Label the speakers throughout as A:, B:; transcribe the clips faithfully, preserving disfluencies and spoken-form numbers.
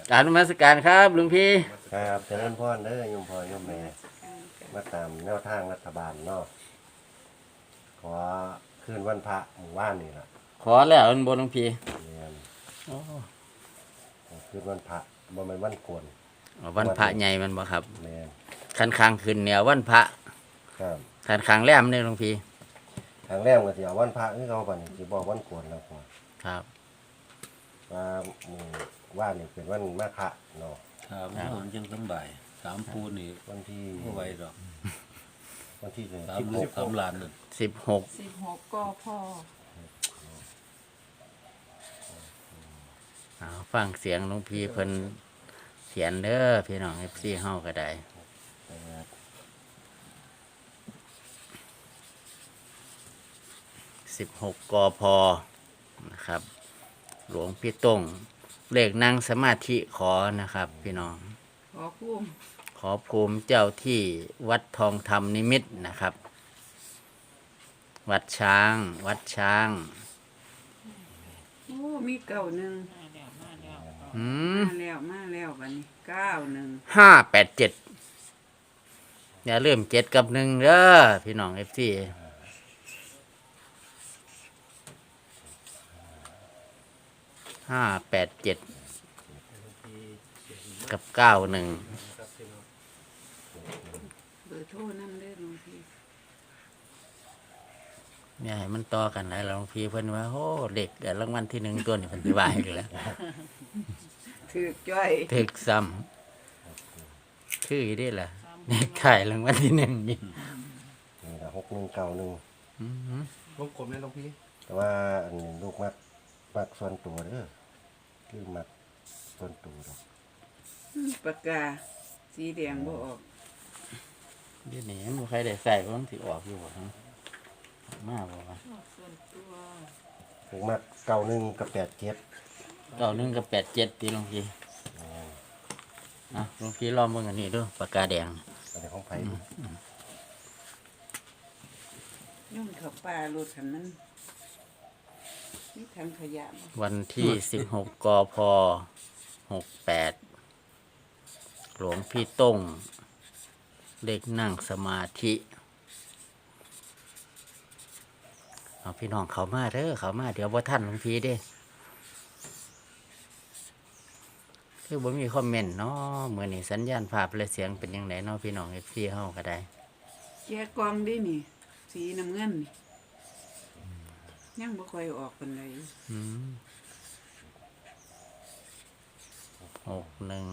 A: กรารนมัสการครับหลวงพี่
B: ครับเจริญพรเด้อโยมพ่อโยมแม่มาตามแนวทางรัฐบาลเนาะขอคืนวันพระหมู่บ้านนี่ล่ะ
A: ขอแล้วอันบนหลวงพี่
B: เนี่ยคืนวันพระบ่แม่นวันโกน
A: วันพระใหญ่มันบ่ครับ
B: แม่น
A: คันคางขึ้นเนี่ยวันพระ
B: ครับ
A: คันคางแรมเนี่ยหลวงพี่
B: ทางแรกก็สิเอาวันพระคือเขาบัดนี้สิบอกวันโกนแล้วพ่อ
A: ครับ
B: ว่าหมู่ว่านนี่เป็นวันมาฆะเนาะ
C: ครับมันจังสบายสามปูนี่
B: วันที่
C: บ่ไหวดอก
B: วันที่
C: สามลูกสามหลานนั่น
A: สิบหก
D: สิบหกก็พ่อ
A: เอาฟังเสียงหลวงพี่เพิ่นเขียนเด้อพี่น้อง เอฟ ซี เฮาก็ได้สิบหกกพนะครับหลวงพี่ต้งเลขนั่งสมาธิขอนะครับพี่น้อง
D: ขอภูมิ
A: ขอภูมิเจ้าที่วัดทองธรรมนิมิตรนะครับวัดช้างวัดช้าง
D: โอ้มีเก้าหนึ่ง
A: อื
D: มมาแล้วมาแล้วบัดนี้เก้าหนึ่ง
A: ห้าแปดเจ็ดอย่าลืมเจ็ดกับหนึ่งเด้อพี่น้องเอฟซีห้าแปดเจ็ดกับเก้าหนึ่ง
D: เบอร์โทรนั่นเด้อหลวงพี่
A: เนี่ยให้มันต่อกันหลายหลวงพี่เพิ่นว่าโอ้เด็กแต่รางวัลที่หนึ่งตัวนี่เพิ่นสิว่าให้กันแล้ว
D: ถือจ้อย
A: ถึกซ้ำคือได้ล่ะเด็กขายรางวัลที่หนึ่งนี่
B: นี่ล่ะหกหนึ่งเก้าหนึ่ง
A: อือฮึ
E: วงกลมเนี่ยหลวงพี่
B: แต่ว่าอันนี้ลูกมักมักส่วนตัวเด้อคือมักส่วนตัวดอก
D: ปากกาสีแดงบ่ออก
A: เดี๋ยวนี้บ่ใครได้ใส่เพราะมันสิออกอยู่บ่ฮะมาบ่วะ
D: ส่วนตัว
B: ผมมักเก้าหนึ่งกับแปดเจ็ด
A: เก้าหนึ่งกับแปดเจ็ดตีหลวงพี่อ่ะหลวงพี่ลองเบิ่งอันนี้ดูปากกาแดง
B: อันนี้ของไผ
D: ยุ่งเขาป่ารถคันนั้นนี่ทางขยะ
A: วันที่สิบหกกพหกแปดหลวงพี่ต้งเด็กนั่งสมาธิเอาพี่น้องเขามาเด้อเขามาเดี๋ยวบ่ทันหลวงพี่เด้คือบ่มีคอมเมนต์เนาะมื้อนี้สัญญาณภาพและเสียงเป็นจังไดเนาะพี่น้อง เอฟ ซี เฮาก็ได้
D: แกะกล่องดินี่สีน้ำเงินนี่ยังบ่ค่อยออกปานใด
A: อืมหกหนึ่ง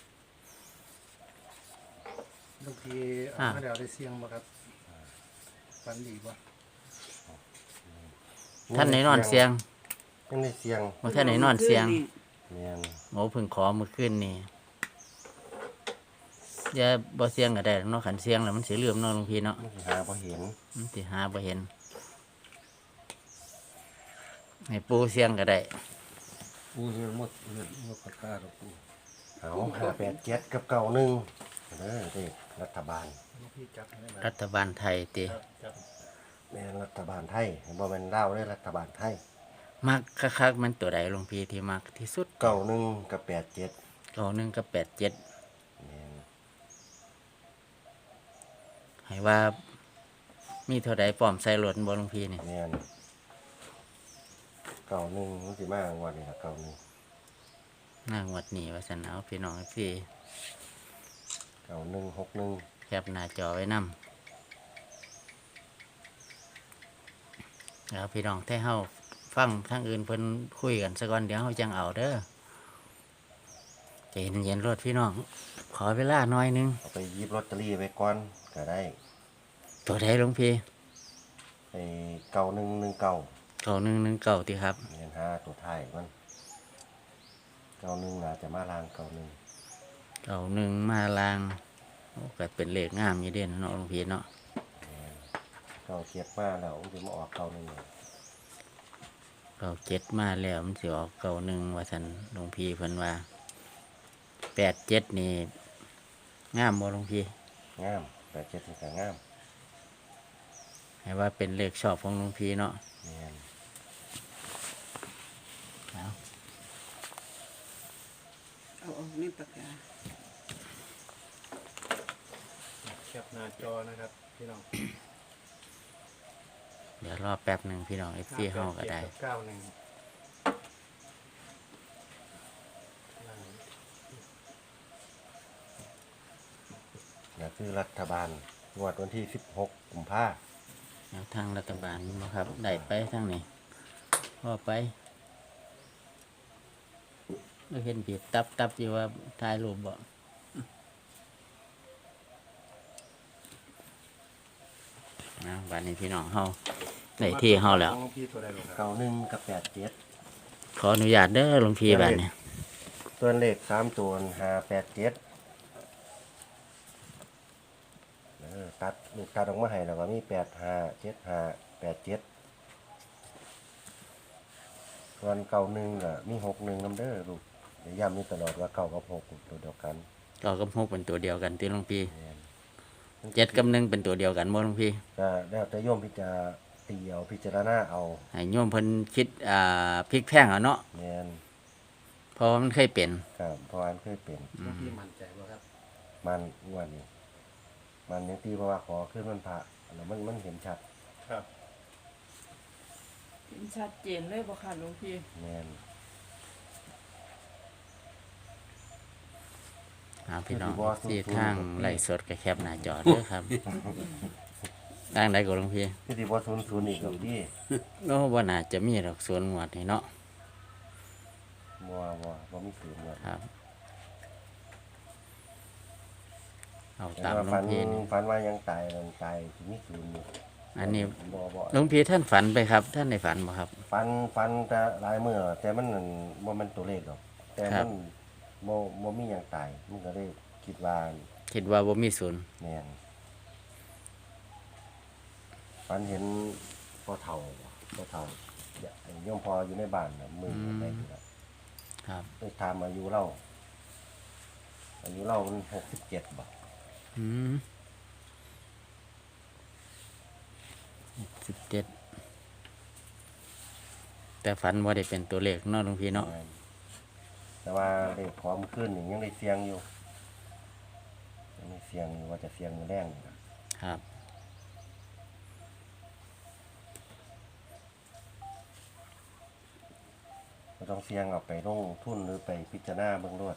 E: บางทีเอามาแล้วได้เสียงบ่ครับฟันดีบ่
A: ท่านไหนนอนเสียง
B: ยังได้เสียง
A: บ่ท่านไหนนอนเสียง
B: แม่น
A: โอ้เพิ่งขอมื้อคืนนี่อย่าบ่เสียงก็ได้เนาะคันเสียงแล้วมันสิลืมเนาะหลวงพี่เนาะ
B: มันสิหาบ่เห็น
A: มันสิหาบ่เห็นให้ปูเสียงก็ได้
C: ปูเรื่องหมดเรื่องหมดปากกาดอกปู
B: เอาห้าแปดเจ็ดกับเก้าหนึ่งเด้อเด็กรัฐบาล
A: รัฐบาลไทยติ
B: แม่นรัฐบาลไทยบ่แม่นลาวเด้อรัฐบาลไทย
A: มักคักๆมันตัวใดหลวงพี่ที่มักที่สุด
B: เก้าหนึ่งกับแปดเจ็ด
A: เก้าหนึ่งกับแปดเจ็ด
B: แม่น
A: ให้ว่ามีเท่าใดพร้อมใส่รถบ่หลวงพี่นี่
B: แม่นเก้าหนึ่งมันสิมางวดนี้ล่ะเก้าหนึ่ง
A: หน้างวดนี้ว่าซั่นเอาพี่น้องพี่
B: เก้าหนึ่งหกหนึ่ง
A: แคปหน้าจอไว้นำแล้วพี่น้องถ้าเฮาฟังทางอื่นเพิ่นคุยกันซะก่อนเดี๋ยวเฮาจังเอาเด้อใจเย็นๆรถพี่น้องขอเวลาหน่อยนึง
B: เอาไปหยิบลอตเตอรี่ไว้ก่อนก็ได้
A: ตัวใดหลวงพี่
B: ไอ้เก้าหนึ่งหนึ่งเก้า
A: เก้าหนึ่งหนึ่งเก้าติครับ
B: เห็นห้าตัวท้ายมันเก้าหนึ่งน่าจะมาลางเก้าหนึ่ง
A: เก้าหนึ่งมาลางโอ้ก็เป็นเลขงามอยู่เด่นเนาะหลวงพี่เนาะ
B: เก้าเจ็ดมาแล้วมันจะมาออกเก้าหนึ่ง
A: เก้าเจ็ดมาแล้วมันสิออกเก้าหนึ่งว่าซั่นหลวงพี่เพิ่นว่าแปดเจ็ดนี่งามบ่หลวงพี่
B: งามแปดเจ็ดนี่ก็งาม
A: ให้ว่าเป็นเลขชอบของหลวงพี่เนาะ
B: แม่น
A: เอา
D: เอาออกในปากกา
E: แคปหน้าจอนะครับพี่น้อง
A: เดี๋ยวรอแป๊บหนึ่งพี่น้องเอฟซีเฮาก็ได้
E: เก้าหนึ่ง
B: นี่คือรัฐบาลงวดวันที่สิบหกกุมภาพันธ์
A: แนวทางรัฐบาลบ่ครับได้ไปทางนี้พอไปเราเห็นบีบตับตับอยู่ว่าถ่ายรูปบ่นะวันนี้พี่น้องเฮาได้ที่เฮาแล้ว
E: ของพี่ตัวใดบ่ครับ
B: เก้าหนึ่งกับแปดเจ็ด
A: ขออนุญาตเด้อหลวงพี่บัดนี้
B: ตัวเลขสามตัวห้าแปดเจ็ดเออตัดลูกตัดออกมาให้แล้วก็มีแปดห้าเจ็ดห้าแปดเจ็ดส่วนเก้าหนึ่งก็มีหกหนึ่งนำเด้อลูกเดี๋ยวย้ำนี่ตลอดว่าเก้ากับหกตัวเดียวกัน
A: ก็กับหกเป็นตัวเดียวกันที่หลวงพี่
B: แม่น
A: เจ็ดกับหนึ่งเป็นตัวเดียวกันบ่หลวงพี่
B: ก็แล้วแต่โยมพิจารตีเอาพิจารณาเอา
A: ให้โยมเพิ่นคิดอ่าพลิกแพงเอาเนาะ
B: แม่น
A: เพราะว่ามันเคยเป็น
B: ครับเพราะอันเคยเป็น
E: หลวงพี่มั่นใจบ่ครับ
B: มันอ้วนนี่มันยังตีเพราะว่าขอขึ้นมันพระแล้วมันมันเห็นชัด
E: ครับ
F: เห็นชัดเจนเลยบ่ค่ะหลวงพี่
B: แม่น
A: เอาพี่น้องที่ทางไล่สดกับแคบหน้าจอเด้อครับทางใดก็หลวงพี่
B: ที่ที่ว่าศูนย์ศูนย์อีกกับที่
A: โน้ว่าน่าจะมีดอกสวนหมวดนี่เนาะ
B: บัวบัวบัวมีศูนย์เลย
A: ครับ เอา
B: แต่
A: ตาม
B: ว่า
A: หลว
B: ฝั
A: ง
B: น
A: พี่นี่
B: ฝันว่ายังตายยังตายที่มีศูนย์อยู่
A: อันนี้
B: บัวบัว
A: หลวงพี่ท่านฝันไปครับ ท่านในฝันบ่ครับ
B: ฝันฝันแต่หลายเมื่อแต่มันนั่นบ่แมันตัวเลขหรอกแต่
A: ครั
B: มั
A: บ
B: นบ่บ่มีหยังตายมันก็เลยคิดว่า
A: คิดว่าบ่มีศูนย์
B: แม่นฝันเห็นพ่อเฒ่าพ่อเฒ่าอย่าโยมพออยู่ในบ้านน่ะมือได้อยู่แล้ว
A: ครับ
B: ไปถามอายุเราอายุเรามันหกสิบเจ็ดบ่
A: อืมสิบเจ็ดแต่ฝันว่าได้เป็นตัวเลขเนาะหลวงพี่เนาะ
B: แต่ว่าเลขขอมขึ้นนี่ยังได้เสียงอยู่ยังได้เสียงอยู่ว่าจะเสียงมือแรงนี่ล่ะ
A: ครับ
B: ก็ต้องเสียงเอาไปลงทุนหรือไปพิจารณาเบื้องรวด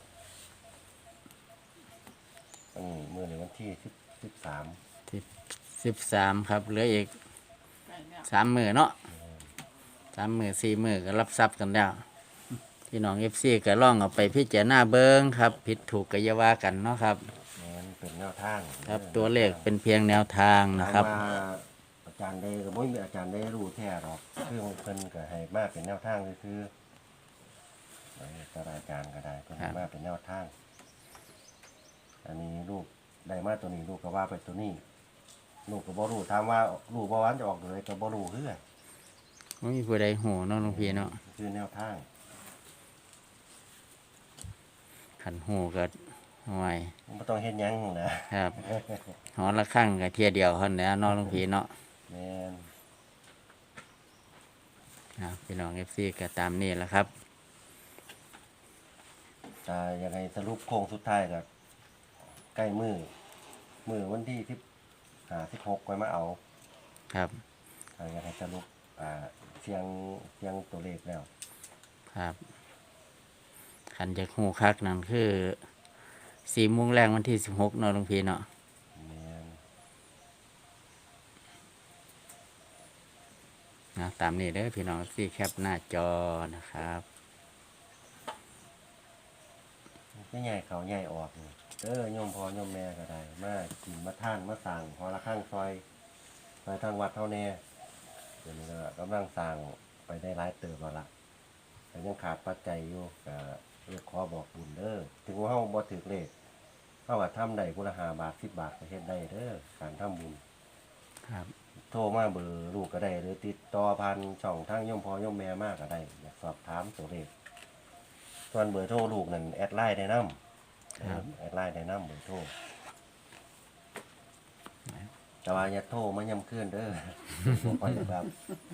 B: อันนี้มือในวันที่สิบสิบสาม
A: สิบสิบสามครับเหลืออีกสามมือเนาะสามมือสี่มือก็รับทรัพย์กันแล้วพี่น้องเอฟซีก็ล่องเอาไปพิจารณาเบิ้งครับ ผิดถูกก็อย่าว่ากันเนาะครับ
B: มันเป็นแนวทาง
A: ครับตัวเลขเป็นเพียงแนวทางนะครับ
B: ถามว่าอาจารย์ได้ก็ไม่มีอาจารย์ได้รู้แท้หรอกคือเพิ่นก็ให้มาเป็นแนวทางคือๆแต่อาจารย์ก็ได้เพิ่นให้มาเป็นแนวทาง อันนี้ลูกได้มาตัวนี้ลูกก็ว่าไปตัวนี้ ลูกก็บ่รู้ถามว่าลูกบ่ว่าจะออกเลยก็บ่รู้คือกัน
A: ไม่มีผู้ใดหูเนาะหลวงพี่เนาะ
B: คือแนวทาง
A: ขันหูก็ห่วย
B: มันบ่ต้องเฮ็ดหยังนะครับ
A: หอละข้างกับเทียเดียวเท่านั้นเนาะหลวงพี่เนาะ
B: แม่น
A: นะพี่น้องเอฟซีก็ตามนี่แหละครับ
B: ถ้ายังไงสรุปโค้งสุดท้ายก็ใกล้มือมือวันที่สิบห้า สิบหกไว้มาเอา
A: ครับ
B: ถ้ายังไงสรุปอ่าเสียงเสียงตัวเลขแล้ว
A: ครับขันจะหูคักนั่นคือสี่โมงแรงวันที่สิบหกเนาะหลวงพี่เนาะ
B: แม่น
A: นะตามนี้เด้อพี่น้องซี่แคปหน้าจอนะครับ
B: ก็ใหญ่เขาใหญ่ออกนี่เออโยมพ่อโยมแม่ก็ได้มากินมาท่านมาสั่งพอละข้างซอยซอยทางวัดเท่าแน่เดี๋ยวนี้ก็กำลังสั่งไปได้หลายเติบแล้วล่ะแต่ยังขาดปัจจัยอยู่ก็เรียกขอบอกบุญเด้อถึงว่าเฮาบ่ถึกเลขเฮาก็ทำได้ผู้ละห้าบาทสิบบาทก็เฮ็ดได้เด้อการทำบุญ
A: ครับ
B: โทรมาเบอร์ลูกก็ได้หรือติดต่อผ่านช่องทางโยมพ่อโยมแม่มากก็ได้อยากสอบถามตัวเลขส่วนเบอร์โทรลูกนั่นแอดไลน์ได้นำ
A: ครับ
B: แอดไลน์ได้นำเบอร์โทรแต่ว่าอย่าโทรมาย่ำคืนเด้อ บ่ค่อยครับ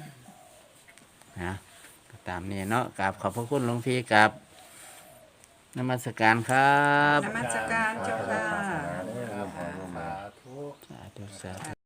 A: นะก็ตามนี้เนาะกราบขอบพระคุณหลวงพี่กับนมัสการครับ
D: นมัสการเจ้าค่ะ
B: ศาสนาเด้อโยมพ่อโยมแม่
E: สาธุ
A: สาธุสาธุ